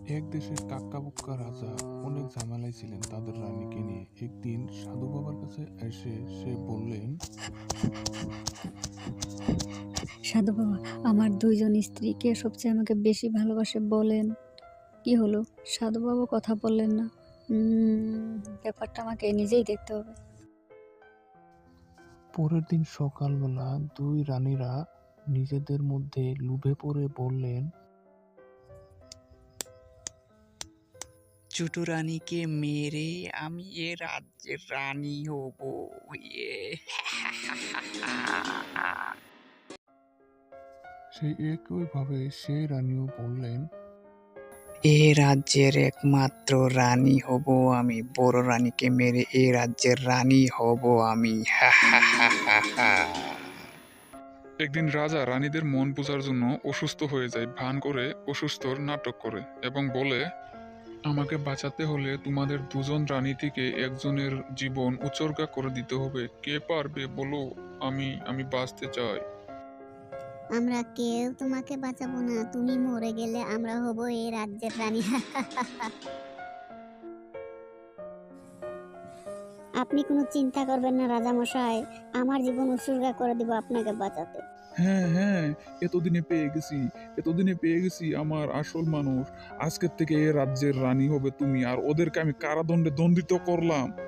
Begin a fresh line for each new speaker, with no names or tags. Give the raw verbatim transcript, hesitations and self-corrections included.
এক দেশের কাক্কাবুক্কা রাজা অনেক ঝামেলায় ছিলেন তাদের রানীকে নিয়ে। একদিন সাধু বাবার কাছে এসে সে বললেন,
সাধু বাবা, আমার দুইজন স্ত্রী কে সবচেয়ে আমাকে বেশি ভালোবাসে বলেন। কি হলো, সাধু বাবা কথা বললেন না? উম, ব্যাপারটা আমাকে নিজেই দেখতে হবে।
পরের দিন সকালবেলা দুই রানীরা নিজেদের মধ্যে লুভে পড়ে বললেন,
ছোট রানীকে মেরে আমি এ রাজ্যের রানী হব। ইয়ে
সেই একইভাবে সেই রানীও বললেন,
এ রাজ্যের একমাত্র রানী হব আমি। বড় রানীকে মেরে এ রাজ্যের রানী হব আমি। হা হা হা হা হা।
একদিন রাজা রানীদের মন বোঝার জন্য অসুস্থ হয়ে যায়, ভান করে অসুস্থর নাটক করে এবং বলে, আমাকে বাঁচাতে হলে তোমাদের দুজন রানী থেকে একজনের জীবন উৎসর্গা করে দিতে হবে। কে পারবে বলো? আমি আমি বাঁচতে চাই।
আমরা কেউ তোমাকে বাঁচাবো না। তুমি মরে গেলে আমরা হব এই রাজ্যের রানী। আপনি কোনো চিন্তা করবেন না রাজামশাই, আমার জীবন উৎসর্গা করে দিব আপনাকে বাঁচাতে।
হ্যাঁ হ্যাঁ, এতদিনে পেয়ে গেছি, এতদিনে পেয়ে গেছি আমার আসল মানুষ। আজকের থেকে এ রাজ্যের রানী হবে তুমি, আর ওদেরকে আমি কারাদণ্ডে দণ্ডিত করলাম।